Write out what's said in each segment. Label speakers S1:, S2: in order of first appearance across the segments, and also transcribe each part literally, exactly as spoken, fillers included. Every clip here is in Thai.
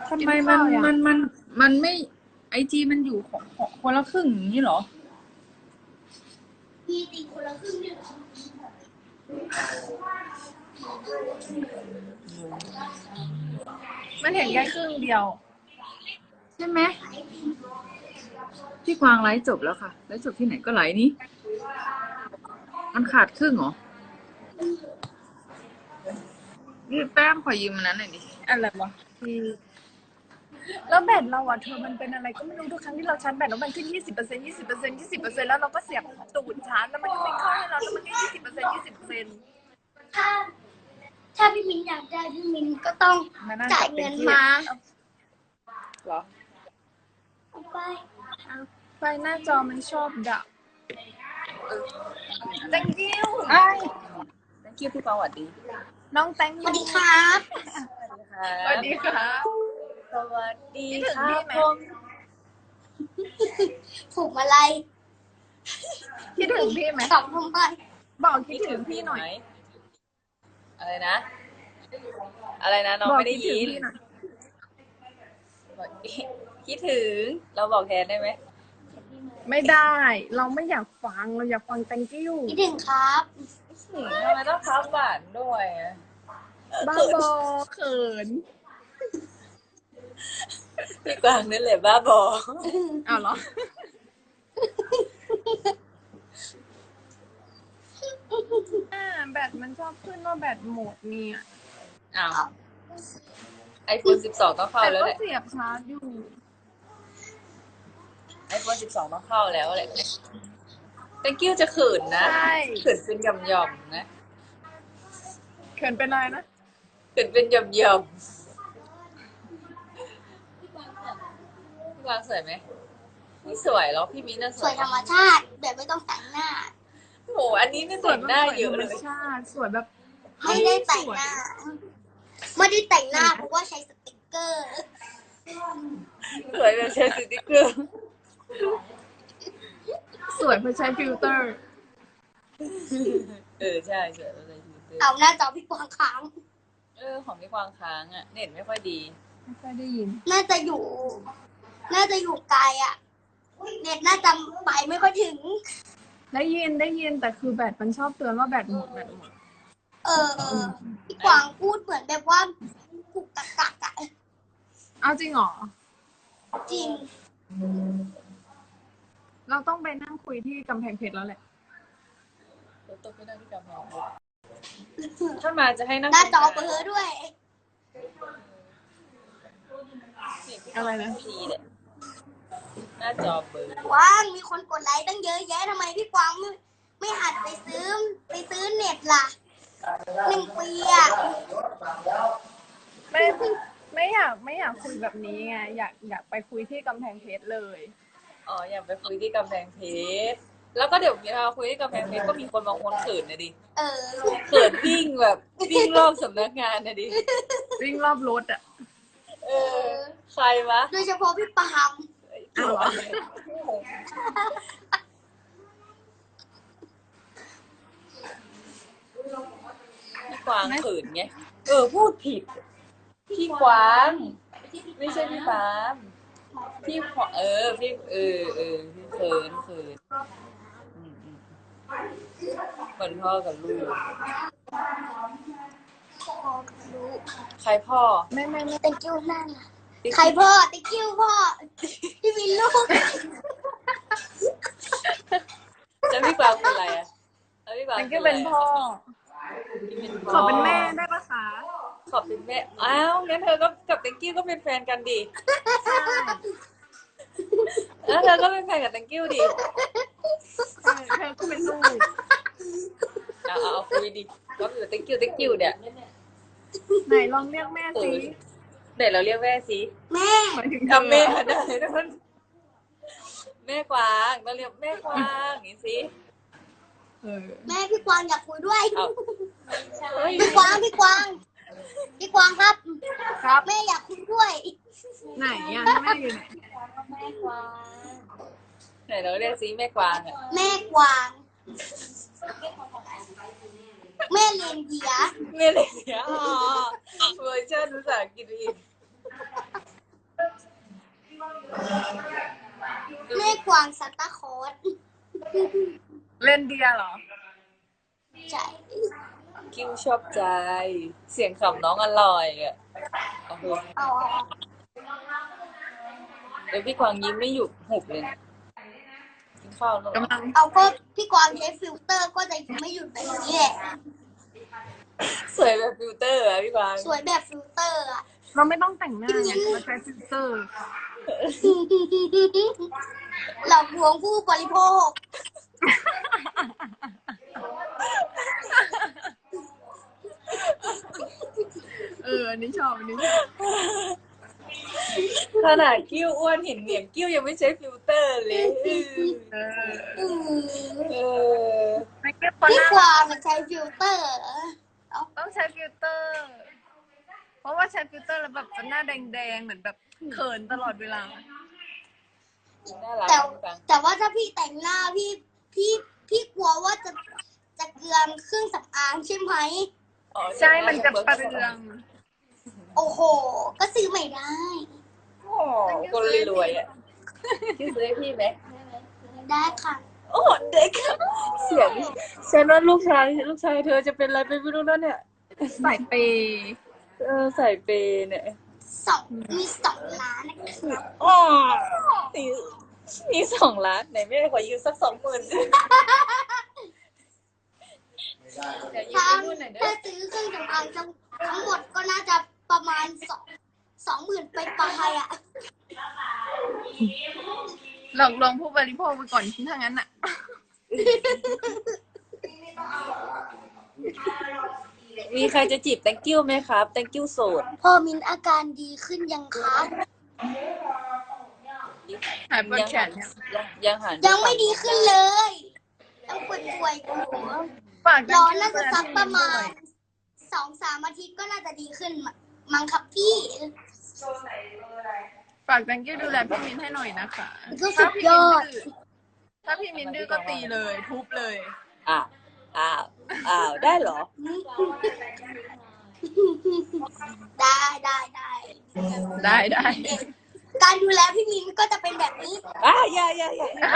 S1: ทำไมมันมันมันมันไม่ไอจีมันอยู่ของของคนละครึ่งอย่างนี้เหรอ
S2: มีตีคนละครึ่งด้วยเหรอ
S3: มันเห็นแค่ครึ่งเดียว
S1: ใช่ไหมพี่กวางไลฟ์จบแล้วค่ะไลฟ์จบที่ไหนก็ไลฟ์นี้มันขาดครึ่งเหรอนี่แป้งขอยืมมันนั้นหน่อยดิ
S3: อะไรวะที่แล้วแบตเราอ่ะเธอมันเป็นอะไรก็ไม่รู้ทุกครั้งที่เราชาร์จแบตแล้วมันขึ้นยี่สิบเปอร์เซ็นต์ยี่สิบเปอร์เซ็นต์ยี่สิบเปอร์เซ็นต์แล้วเราก็เสียบตูดชาร์จแล้วมันก็ไม่เข้าให้เราแล้วมันก็ยี่สิบเปอร์เซ็นต์ยี่สิบเปอร์เซ็นต์
S2: ถ้าถ้าพี่มินอยากได้พี่มินก็ต้องจ่ายเงินมา
S1: เหรอ
S2: เอาไป
S3: ไฟหน้าจอมันชอบดับ thank you
S1: ไอ้ thank you พี่ปาหวัดดี
S3: น้อง thank
S2: ส
S3: you
S2: วัสดีครับ
S3: สวัสดีครับ
S1: สวัสดี
S3: คิดถึง
S1: ครั
S3: พี่
S1: บ
S3: ไหม
S1: ผม
S2: ถูกอะไร
S3: คิดถึงพี่ไหม
S2: ตอบทำไม
S3: บอกคิดถึงพี่หน่อย
S1: อะไรนะ อะไรนะน้อง
S3: บอก
S1: ไม่ได้
S3: คิดถึง
S1: ยิน
S3: พี่หน่อย
S1: บอกคิดถึงเราบอกแทนได้ไหม
S3: ไม่ได้ เราไม่อยากฟังเราอยากฟัง thank you
S2: คิดถึงครับ
S1: อืมทำไมต้องพับหวานด้วยอะ
S3: บ้าบอเขิน
S1: พี่กวางนั่นแหละบ้าบอ
S3: อ้าวเหรออ่าแบตมันชอบขึ้นว่าแบตหมดเนี่ย
S1: อ้าวไอโฟนสิบสองต้องเข้า
S3: แต่
S1: แล้ว
S3: ก็
S1: แหละ
S3: เสียบชาร์จอยู่
S1: ไอโฟนสิบสองต้องเข้าแล้วแหละ thank you จะขืนนะ
S3: ใช่
S1: ขืนเป็นหย่อมๆนะ
S3: เขินเป็นอะไรนะ
S1: ขืนเป็นหย่อมๆพี่กวางสวยไหมไม่สวยหรอกพี่มิ้นท์น่ะส
S2: ส
S1: ว
S2: วย ยธรรมชาติแบบไม่ต้องแต่งหน้า
S1: โอ้โหอันนี้ไม่แต่งหน้าเยอะ
S3: ธร
S1: เล
S3: รม
S1: ย
S3: ชาติสวยแบบ
S2: ไม่ได้แต่งหน้า ไม่ได้แต่งหน้าเพราะว่าใช้สติกเกอร์
S1: สวยแบบใช้สติ๊กเกอร์
S3: สวยเพราะใช้ฟิลเตอร์
S1: เออใช่สวยแบบใช้สติ๊กเกอร์
S2: เอาหน้าจอพี่กวางค้าง
S1: เออของพี่กวางค้างอ่ะเน็ตไม่ค่อยดี
S3: ไม่ค่อยได้ยิน
S2: น่าจะอยู่ น่าจะอยู่ไกลอ่ะ เน็ตน่าจะไปไม่ค่อยถึง
S3: ได้ยินได้ยินแต่คือแบตมันชอบเตือนว่าแบตหมดแบตหมด
S2: เออเออพี่กวางพูดเหมือนแบบว่ากุกกักกักอะ
S3: เอาจริงเหรอ
S2: จริง
S3: เราต้องไปนั่งคุยที่กำแพงเพชรแล้วแหละ
S1: รถตกไม่ได้ที่กำแพงเพชรถ้ามาจะให้นั่ง
S2: หน้าจอเบลอด้วย
S3: อะไรนะ
S1: ดีแหละหน้าจอเบลอ
S2: ว้างมีคนกดไลค์ตั้งเยอะแยะทำไมพี่กวางไม่ไม่หัดไปซื้อไปซื้อเน็ตล่ะหนึ่งปีอ่ะ
S3: ไม่ไม่อยากไม่อยากคุยแบบนี้ไงอยากอยากไปคุยที่กำแพงเพชรเลย
S1: อ๋ออยากไปคุยที่กำแพงเพชรแล้วก็เดี๋ยวเวลาคุยที่กำแพงเพชรก็มีคนบางคนเขินนะดิ
S2: เออ
S1: เขินวิ่งแบบวิ่งรอบสำนักงานนะดิ
S3: วิ่งรอบรถอ่ะ
S1: เออใครวะ
S2: โดยเฉพาะพี่ปาล์ม
S3: อ้าวเหรอ
S1: พี่กวางเขินไงเออพูดผิดพี่กวางไม่ใช่พี่ปาล์มพี่ขวเออพี่เออเออพี่เขินเขินอืมอืมเหมือนพ่อกับลูกใครพ่อ
S3: ไม่ไม่ไม่
S2: thank you นั่นน่ะใครพ่อ thank you พ่อที่มีลูก
S1: แล้วพี่กวางเป็นอะไรอ่ะแล้วพี่กวาง
S3: มันก็เป็นพ่อ
S1: พี่เป็น
S3: ขอเป็นแม่ได้ปะคะ
S1: ขอเป็นแม่อ้าวงั้นเธอก็กับแตงกิ้วก็เป็นแฟนกันดิ
S3: ใช่
S1: แล้วเธอก็เป็นแฟนกับแตงกิ้วดิ
S3: ใช่เธอก็เป็นลูก
S1: เอาเอาเอาคุยดิก็อยู่แตงกิ้วแตงกิ้วเนี่ย
S3: ไหนลองเรียกแม่สิ
S1: เดี๋ยวเราเรียกแม่สิ
S2: แม่
S3: หมายถึง
S1: ทำแม่ได้นะมันแม่กวางเราเรียกแม่กวางอย่างนี้สิ
S3: เออ
S2: แม่พี่กวางอยากคุยด้วย
S1: เอาเฮ้ย
S2: พี่กวางพี่กวางพี่กวางครับ
S3: ครับ
S2: แม่อยากคุยด้วย
S3: ไหนอ่ะแม่อยู่ไหน
S2: แม่กวาง
S1: ไหนเราเรียกสิแม่กวางอ่ะ
S2: แม่กวางแม่เลียนเดีย
S1: แม่เลยเนี่ยอ๋อเวอร์ชันภาษาอังกฤษอีก
S2: แม่กวางซันตาคลอส
S3: เล่นเดียเหรอ
S2: ใช่
S1: กิ้วชอบใจ เสียงขำน้องอร่อยอ่ะโอ้โห
S2: เอา
S1: เดี๋ยวพี่กวางยิ้มไม่หยุดหุบเลยนะกินข้าวแล้วเหรอก
S3: ำลัง
S2: เอาก็พี่กวางใช้ฟิลเตอร์ก็จะไม่หยุดแบบนี้แหละ
S1: สวยแบบฟิลเตอร์อะพี่กวาง
S2: สวยแบบฟิลเตอร์อะ
S3: เราไม่ต้องแต่งหน้าไงเราใช้ฟิลเตอร์
S2: หลอกลวงผู้บริโภค
S3: เออ อันนี้ชอบ อันนี้ชอบ
S1: ขนาดกิ้วอ้วนเห็นเหนียงกิ้วยังไม่ใช้ฟิลเตอร์เลย
S3: เออ
S2: อืม
S1: เออ
S3: ไม่เก็บปะ
S2: พี่
S3: นะ
S2: กวางมันใช้ฟิลเตอร์
S3: ต้องใช้ฟิลเตอร์ เพราะว่าใช้ฟิลเตอร์แล้วแบบหน้าแดงๆ เหมือนแบบเขินตลอดเวลา
S1: น่ารัก
S2: แต่
S1: พี่กวาง
S2: แต่ว่าถ้าพี่แต่งหน้าพี่พี่พี่กลัวว่าจะจะเกลือนเครื่องสำอางใช่ไหม
S1: อ๋อ
S3: ใช่ มันจะประเรือง
S2: โอ้โห ก็ซื้อไม่ได้
S1: โอ้คนรวยๆอ่ะกิ้วซื้อให้พี่ไหม
S2: ได้ค่ะ
S1: โอ้เด็กอะเสียงฉันว่าลูกชายลูกชายเธอจะเป็นอะไรไปไม่รู้แล้วเนี่ย
S3: ใส่เปย์
S1: เออใส่เปย์เนี่ย
S2: สองมีสองล้านนะครับ
S1: อ๋อมีมีสองล้านไหนแม่ขอยืมสักสองหมื่นสิเดี๋ยวยืม
S2: ถ้า
S1: ไปนู่นหน่อยเด้
S2: ถ้า
S1: อ
S2: ซื้อเครื่องสำอางทั้งทั้งหมดก็น่าจะประมาณสองสองหมื่นไปปลายๆอ่ะ
S3: หลอกลวงผู้บริโภคไปก่อนถ้างั้นอ่ะ
S1: มีใครจะจีบ thank you ไหมครับ thank you โสด
S2: พอมินอาการดีขึ้นยังคะ
S3: หายปวด
S1: ยัง
S3: แข
S1: หั
S3: น
S1: น
S3: ยัง
S1: ยังยังหัน
S2: ยังไม่ดีขึ้นเลยยังป่วยๆอยู่
S3: ฝาก
S2: ร้อนน่าจะสักประมาณสองสามอาทิตย์ก็น่าจะดีขึ้นมั้งครับพี่
S3: ฝาก thank you ดูแลพี่มินให้หน่อยนะคะ
S2: ก็สุดยอด
S3: ถ้าพี่มินดื้อก็ตีเลย ทุบเลย
S1: อ้าวอ้าวอ้าวได้เหรอ
S2: ได้ได้ได้
S3: ได้ได้
S2: การดูแลพี่มินก็จะเป็นแบบนี้
S1: อ้าวอย่าอย่าอย่าอย่า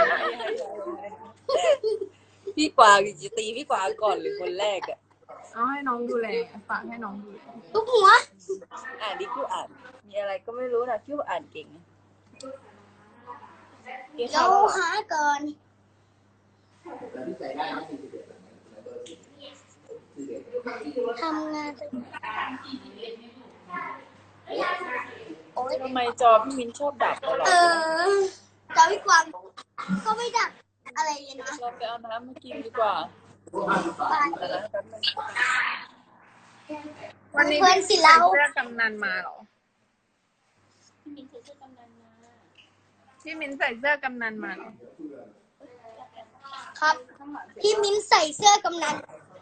S1: พี่กวางจะตีพี่กวางก่อนหรือคนแรกอ่ะ
S3: เอาให้น้องดูแล ฝากให้น้องดูแล
S2: ทุกหัว
S1: อ่านดิคิวอ่าน มีอะไรก็ไม่รู้นะคิวอ่านเก่งนะกินข้า
S2: เรา
S1: วแล้วเหรอ
S2: หาก่อนทำงานโอ๊ย
S1: ทำไมจอพี่มินชอบดับตลอด
S2: เอ
S1: เลย
S2: อจอพี่กวางก็ไม่ดักอะไรเลยนะ
S1: เราไปเอาน้ำมากินดีกว่า
S2: ไป
S1: แต่ละแป๊บนึง
S3: วันนี้
S2: เพื่อน
S3: พี่
S2: สิ
S3: ใส่
S2: เรา
S3: เสื้อกำนันมาเหรอ พี่มินใส่เสื้อกำนันมาเหรอ
S2: ครับ พี่มิ้นใส่เสื้อกำนัน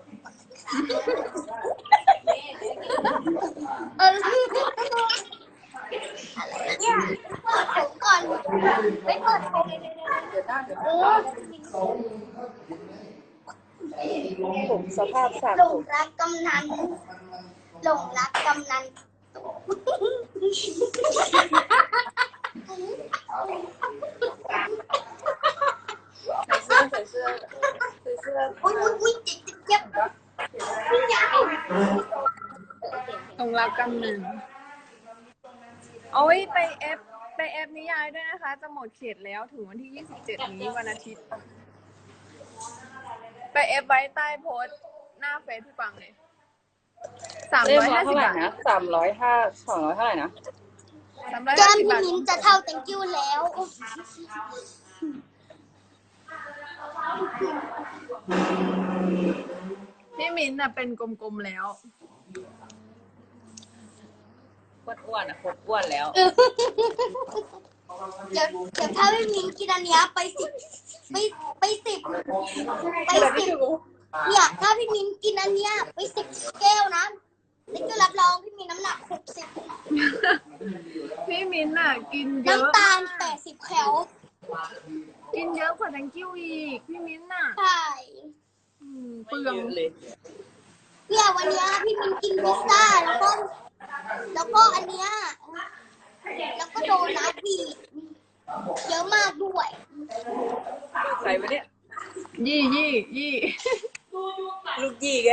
S2: เอออะไรเนี่ยเปิดผมก่อนไม่เปิดผม
S1: เดี๋ยวหน้าเดี๋ยว
S2: เอ
S1: หน้า
S2: อ
S1: ผมสภาพสาม
S2: หล
S1: ผ
S2: ง
S1: ม
S2: รักกำนันหลงรักกำนัน
S1: ใส่เสื้อใส่เสื้อใส่เสื้อ
S2: อุ้ยอุ้ยอุ้ยเจ็บเจ็บไม่อยาก
S3: ตรงรับกำนันโอ้ยไปเอฟไปเอฟนิยายด้วยนะคะ จะหมดเขตแล้วถึงวันที่ยี่สิบเจ็ดนี้วันอาทิตย์ ไปเอฟไว้ใต้โพสต์หน้าเฟซพี่ปังเลยสาม
S1: เล่ม
S3: ร้อย
S1: ละ
S3: ห้าสิ
S1: เท่า
S3: บ
S1: ไหร่
S3: บาท
S1: นะสามร้อยห้าสองร้อยเท่าไหร่นะ
S3: สามร้อย
S2: แก้
S3: ห้าม สิบ
S2: พี่
S3: บาท
S2: มิ้นจะเท่า thank you แล้ว
S3: พี่มินน่ะเป็นกลมๆแล้ว
S1: อ้วนๆอ่ะคนอ้วนแล้ว
S2: เดี๋ยวเดี๋ยวถ้าพี่มิ้นกินอันเนี้ยไปสิบไปไปสิบไปสิบเนี่ยถ้าพี่มิ้นกินอันเนี้ยไปสิบแก้วนะนี่ก็รับรองพี่มิ้นน้ำหนักหกสิบ
S3: พี่มินน่ะกินเยอะ
S2: น้ำตาลแปดสิบแคล
S3: กินเยอะกว่า thank you อีกพี่มินน่ะ
S2: ใช่
S3: อืม
S1: ไม่
S3: เปลือง
S1: เยอะเลย
S2: เนี่ยวันเนี้ยพี่มิ้นกินพิซซ่าแล้วก็ แล้วก็อันเนี้ยแล้วก็โดนัทอีกเยอะมากด้วย
S1: ลูกใครวะเนี่ย
S3: ยี่ยี่ยี่
S1: ลูกยี่แก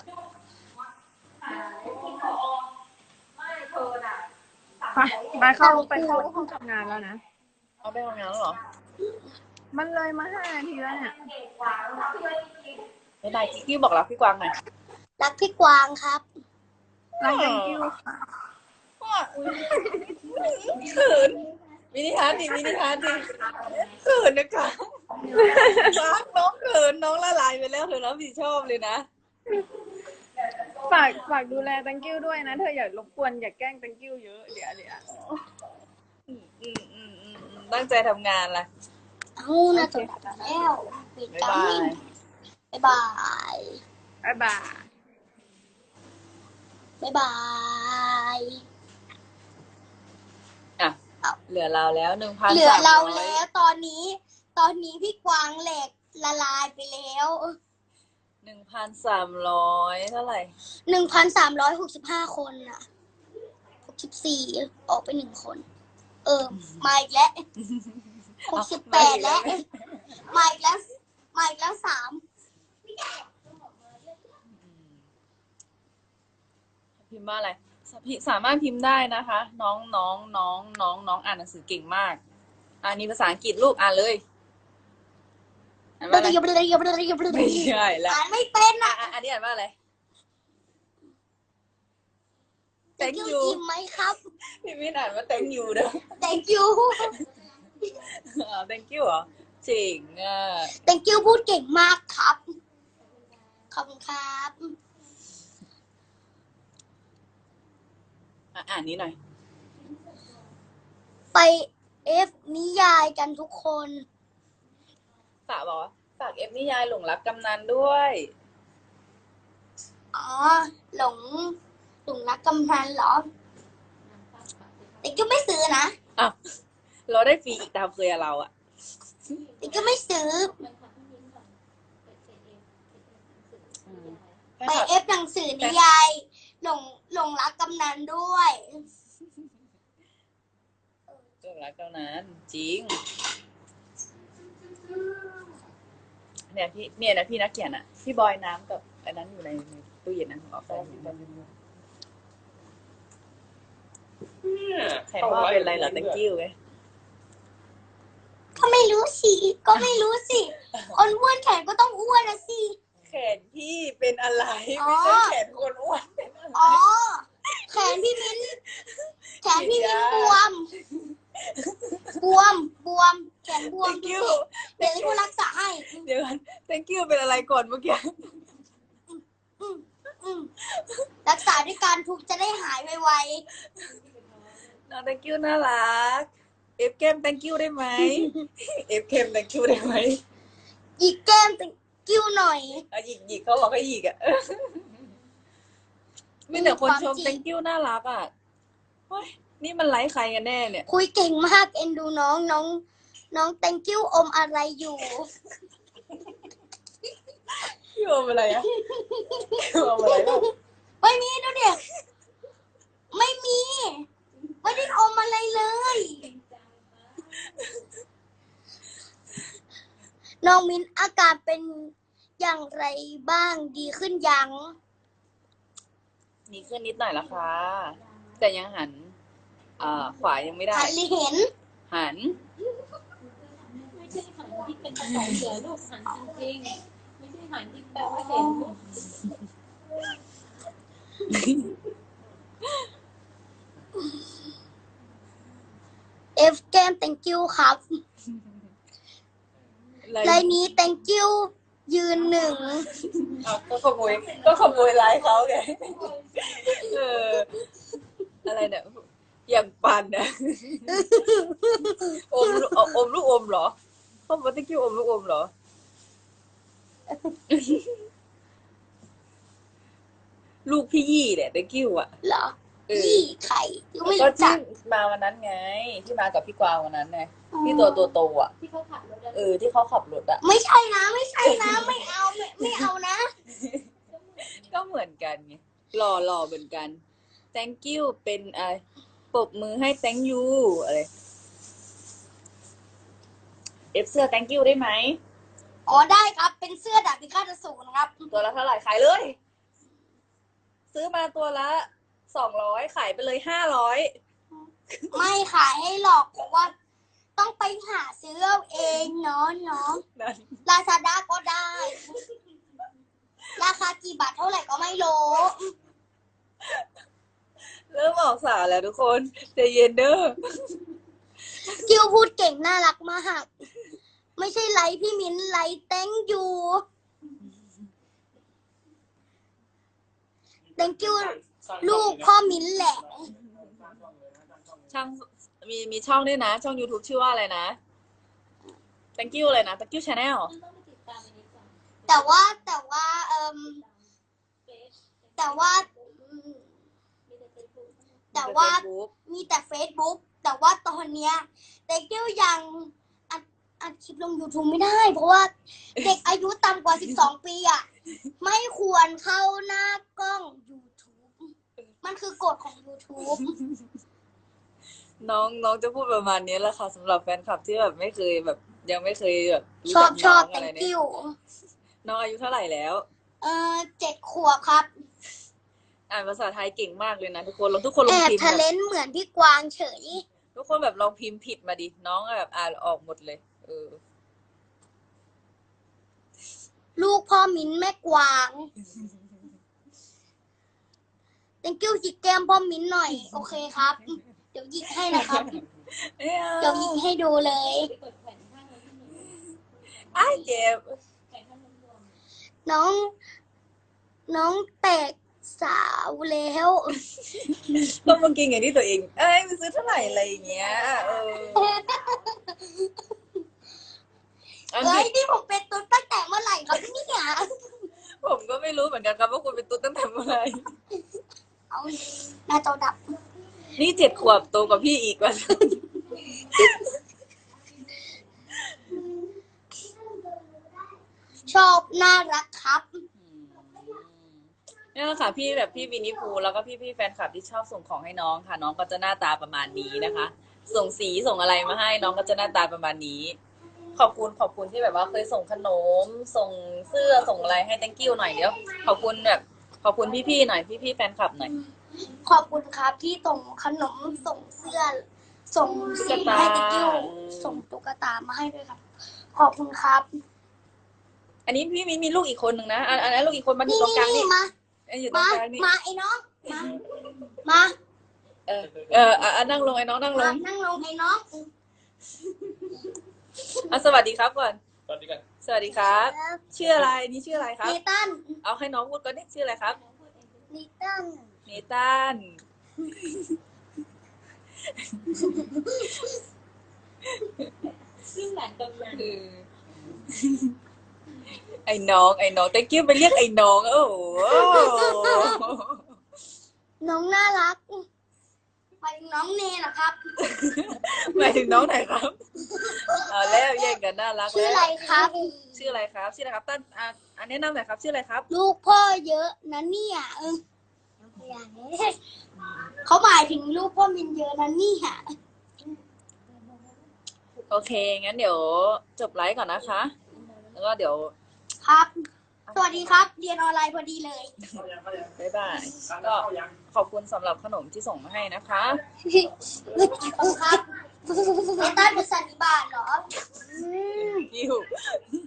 S3: ไปไปเข้าไปเข้าห้องทำงานแล้วนะ
S1: เอาไปทำงานแล้วเหรอ
S3: มันเลยมาห้านาทีแล้วเนี่ย
S1: ไม่ได้กิ๊กบอกรักพี่กวางหน่อย
S2: รักพี่กวางครับ
S3: รัก thank you ค่ะ
S1: เขินมินิฮาร์ดดิมินิฮาร์ดดิเขินนะคะรักน้องเขินน้องละลายไปแล้วเธอรับผิดชอบเลยนะ
S3: ฝากฝากดูแล thank you ด้วยนะ เธออย่ารบกวนอย่าแกล้ง thank you เยอะเดี๋ยวเดี๋ยว
S1: อืมอืมอืมอืมตั้งใจทำงานล่ะ
S2: เอานะจบแล้วปิด
S1: บ๊าย
S2: กา
S1: บาร ย
S2: บ๊ายบาย
S3: บ๊ายบาย
S2: บ๊ายบาย
S1: อ่ะเหลือเราแล้วหนึ่งพัน
S2: เหลือเราแล้วตอนนี้ ตอนนี้พี่กวางเหล็กละลายไปแล้ว
S1: หนึ่งพันสามร้อยเท่าไหร่
S2: หนึ่งพันสามร้อยหกสิบห้าคนอ่ะหกสิบสี่ออกไปหนึ่งคน เออ มาอีกแล้วหกสิบแปดแล้ว มาอีกแล้ว มาอีกแล้วสาม
S1: พิมพ์ว่าอะไรสามารถพิมพ์ได้นะคะ น้องน้องน้องน้องน้องอ่านหนังสือเก่งมากอ่านนี้ภาษาอังกฤษลูกอ่านเลยอ่านว่าอะไรไม่ใช่ละ
S2: อ่านไม่เป็น
S1: อ่ะ
S2: อ่ะ
S1: อ่ะอันนี้อ่านว่าอะไร
S2: thank
S1: thank
S2: you
S1: you
S2: อิ่มไหมครับ
S1: พี่มินอ่านว่า thank you เด้อ
S2: thank you
S1: อ๋อ thank you เหรอเจ๋งอ่ะ
S2: thank you พูดเก่งมากครับ ขอบคุณครับ
S1: อ่ะอ่านนี้หน่อย
S2: ไปเอฟนิยายกันทุกคน
S1: ฝากบอกว่าฝากเอฟนิยายหลงรักกำนันด้วย
S2: อ๋อ หลง หลงรักกำนันเหรอ แต่ก็ไม่ซื้อนะ
S1: อ้าวเราได้ฟรีอีกตามเคยอะเราอะ
S2: แต่ก็ไม่ซื้อ ไปเอฟหนังสือนิยาย หลง หลงรักกำนันด้วย
S1: หลงรักกำนันจริงเนี่ยพี่เนี่ยนะพี่นักเขียนอะพี่บอยน้ำกับอันนั้นอยู่ในตู้เย็นนะของออฟฟิศใครว่าเป็นไรเหรอ thank you ไง
S2: ก็ไม่รู้สิ ก็ไม่รู้สิ คนอ้วนแขนก็ต้องอ้วนนะสิ
S1: แขนพี่เป็นอะไร
S2: อ๋อ
S1: ไม่ใช่แขนคนอ้วนเป็นอะไร
S2: อ๋อ แขนพี่มิ้น แขนพี่มิ้นบวม บวม บวม แขนบวม
S1: thank
S2: ดู
S1: you
S2: สิเดี๋ยวให้ผู้รักษาให้
S1: เดี๋ยวก่อน thank you เป็นอะไรก่อนเมื่อกี้
S2: อืมอืมรักษาด้วยการทุกข์จะได้หายไว
S1: น้อง thank you น่ารักเอฟเกม thank you ได้ไหมเอฟเกม thank you ได้ไหม
S2: ๆหยิกแก้มตะกิ้วหน่อย
S1: อ่ะหยิกหยิกเขาบอกให้หยิกอ่ะ มีแต่คนชม
S2: ความจริง
S1: thank you น่ารักอ่ะเฮ้ยนี่มันไลฟ์ใครกันแน่เนี่ย
S2: คุยเก่งมากเอ็นดูน้องน้อง น้อง thank you อมอะไรอยู่
S1: พี่อมอะไรอ่ะพี่อมอะไรบ้าง
S2: ไม่มีดูเด็กไม่มี ไม่ได้อมอะไรเลย น้องมินอาการเป็นอย่างไรบ้างดีขึ้นยัง
S1: มีขึ้นนิดหน่อยละค่ะ แต่ยังหันอ่าขวายังไม่ได้
S2: หันหรือเห็น
S1: หัน
S4: ไม่ใช่หันที่เป็นภาษาเสือลูกหันจริงๆไม่ใช่หันที่แปลว่าเห็น
S2: เอฟแก้ม thank you ครับไลน์นี้ thank you ยืนหนึ่ง
S1: เอาก็ขโมยก็ขโมยไลฟ์เขาไงเอออะไรเนี่ยอย่างปันนะอมลูกอมลูกอมเหรอเขาบอก thank you อมลูกอมเหรอ ลูกพี่ยี่เนี่ย thank you อ่ะ
S2: เหรอ
S1: เออ
S2: พี่ไข่ยังไม่
S1: ก็
S2: รู้จั
S1: ที่
S2: ก
S1: มาวันนั้นไง ที่มากับพี่กวางวันนั้นไงพี่ตัวตัวโตอ่ะ
S4: ที่เขาขับรถ
S1: เออที่เขาขับรถอ่ะ
S2: ไม่ใช่นะ ไม่ใช่นะ ไม่เอาไม่ไม่เอานะ
S1: ก็เหมือนกันไงหล่อหล่อเหมือนกัน thank you เป็นอะไรปรบมือให้ thank you อะไรเอฟเสื้อ thank you ได้ไหม
S2: อ๋อได้ครับเป็นเสื้อดาบพิฆาตอสูรครับ
S1: ตัวละเท่าไหร่ขายเลย ซื้อมาตัวละสองร้อยขายไปเลยห้าร้อย
S2: ไม่ขายให้หรอกเพราะว่า ต้องไปหาซื้อเอาเองเนาะเนาะ
S1: นั่น
S2: ลาซาด้าก็ได้ ราคากี่บาทเท่าไหร่ก็ไม่รู้
S1: เริ่มออกสาวแล้วทุกคนใจเย็นเด้อ
S2: กิวพูดเก่งน่ารักมาก ไม่ใช่ไลฟ์พี่มิ้นไลฟ์แตงยู thank you ลูกพ่อมิ้นแหละ
S1: ช่างมีมีช่องด้วยนะ ช่อง YouTube ชื่อว่าอะไรนะ thank you เลยนะ thank you channel
S4: ต้องไปติดตามอันนี้ก่อน
S2: แต่ว่าแต่ว่าเอ่ม
S4: เฟซ
S2: แต่ว่าอืม
S4: มีแต่เฟซบุ๊ก
S2: แต่ว่า
S1: Facebook
S2: มีแต่ Facebook แต่ว่าตอนเนี้ย thank you ยังอัดอัดคลิปลง YouTube ไม่ได้ เพราะว่าเด็กอายุต่ำกว่า สิบสอง ปีอ่ะ ไม่ควรเข้าหน้ากล้อง YouTube มันคือกฎของ YouTube
S1: น้องน้องจะพูดประมาณนี้แหละค่ะสำหรับแฟนคลับที่แบบไม่เคยแบบ ยังไม่เคยแบบรู้
S2: ชอ
S1: จั
S2: บ
S1: ก
S2: ช
S1: น้
S2: อ
S1: อบ งอะไร
S2: thank
S1: เนี่ย
S2: you
S1: น้องอายุเท่าไหร่แล้ว
S2: เอ่อเจ็ดขวบครับ
S1: อ่านภาษาไทยเก่งมากเลยนะทุกคนลองทุกคนล
S2: แอ
S1: อง
S2: บ
S1: พิมพ์
S2: ทะ
S1: แบ
S2: เล
S1: บ
S2: นเหมือนพี่กวางเฉย
S1: ทุกคนแบบลองพิมพ์ผิดมาดิน้องแบบอ่านออกหมดเลยเออ
S2: ลูกพ่อมิ้นแม่กวาง thank you หยิกแก้มพ่อมิ้นหน่อย โอเคครับ เดี๋ยวหยิกให้นะครับ
S1: ไม่เอา
S2: เดี๋ยวหยิกให้ดูเลย
S4: ไปกดแผ่นข้างไว้ที่หนึ่ง
S1: อ้ายเจ็บ
S4: แผ่นข้างรวม
S2: น้อง น้องแตกสาวแล้ว
S1: ต้องมากินอย่างที่ตัวเอง เอ้ยไปซื้อเท่าไหร่อะไรอย่างเงี้ยเอออัน
S2: เฮ้ย
S1: นี้
S2: นี่ผมเป็นตุ๊ดตั้งแต่เมื่อไหร่ครับเนี่ย
S1: ผมก็ไม่รู้เหมือนกันครับว่าคุณเป็นตุ๊ดตั้งแต่เมื่อไหร่
S2: เอาหน้าจอดับ
S1: นี่เจ็ดขวบโตกว่าพี่อีกว่า
S2: ชอบน่ารักครับ
S1: นี่แหละค่ะพี่แบบพี่วินิพูแล้วก็พี่พี่ๆแฟนคลับที่ชอบส่งของให้น้องค่ะ น้องก็จะหน้าตาประมาณนี้นะคะ ส่งสีส่งอะไรมาให้น้องก็จะหน้าตาประมาณนี้ ขอบคุณขอบคุณที่แบบว่าเคยส่งขนม ส่งเสื้อส่งอะไรให้ thank you หน่อยเดี๋ยวขอบคุณแบบขอบคุณพี่ๆหน่อยพี่ๆแฟนคลับหน่อย
S2: ขอบคุณครับที่ส่งขนมส่งเสื้อ ส่งสีให้ติ๊กกิ้วส่งตุ๊กตามาให้ด้วยครับ ขอบคุณครับ
S1: อันนี้พี่มีมีลูกอีกคนหนึ่งนะอันอันนั้นลูกอีกคนมาอยู่
S2: นี่
S1: ตรงกลาง
S2: นี่
S1: นี่
S2: มา
S1: อันอยู่ตร
S2: มาง
S1: กลางนี่
S2: มาไอ้น้อง มา มา
S1: เออเอออ่ะอ่ะนั่งลงไอ้น้องนั่งล
S2: มาง นั่งลงไอ้น้อง
S1: อ่ะสวัสดีครับก่อน
S5: สวัสดีกัน
S1: สวัสดีครับ ชื่ออะไรนี่ชื่ออะไรครับ
S2: เนตัน
S1: เอาให้น้องพูดก่อนนี่ชื่ออะไรครับ
S2: เนตัน
S1: เนตัน
S4: ซึ่งหลานกำลัง
S1: เออไอ้น้องไอ้น้องตะกี้ไปเรียกไอ้น้องโอ้โห
S2: น้องน่ารักไปน้องเนเหรอครับ
S1: หมายถึงน้องไหนครับเอาแล้วแย่งกันน่ารัก
S2: ชื่อ
S1: แล้ว
S2: อะไรครับ
S1: ชื่ออะไรครับชื่ออะไรครับตั้นอ่ะอันแนะนำหน่อยครับชื่ออะไรครับ
S2: ลูกพ่อเยอะนะเนี่ยเออเขาหมายถึงลูกพ่อมินเยอะนะเนี่ย
S1: โอเคงั้นเดี๋ยวจบไลฟ์ก่อนนะคะ แล้วก็เดี๋ยว
S2: ครับ สวัสดีครับ เรียนออนไลน์พอดีเลย
S1: บ๊ายบายก็ขอบคุณสำหรับขนมที่ส่งมาให้นะคะ
S2: ครับเนตันเป็นสันนิบาตเหรอ
S1: ยิว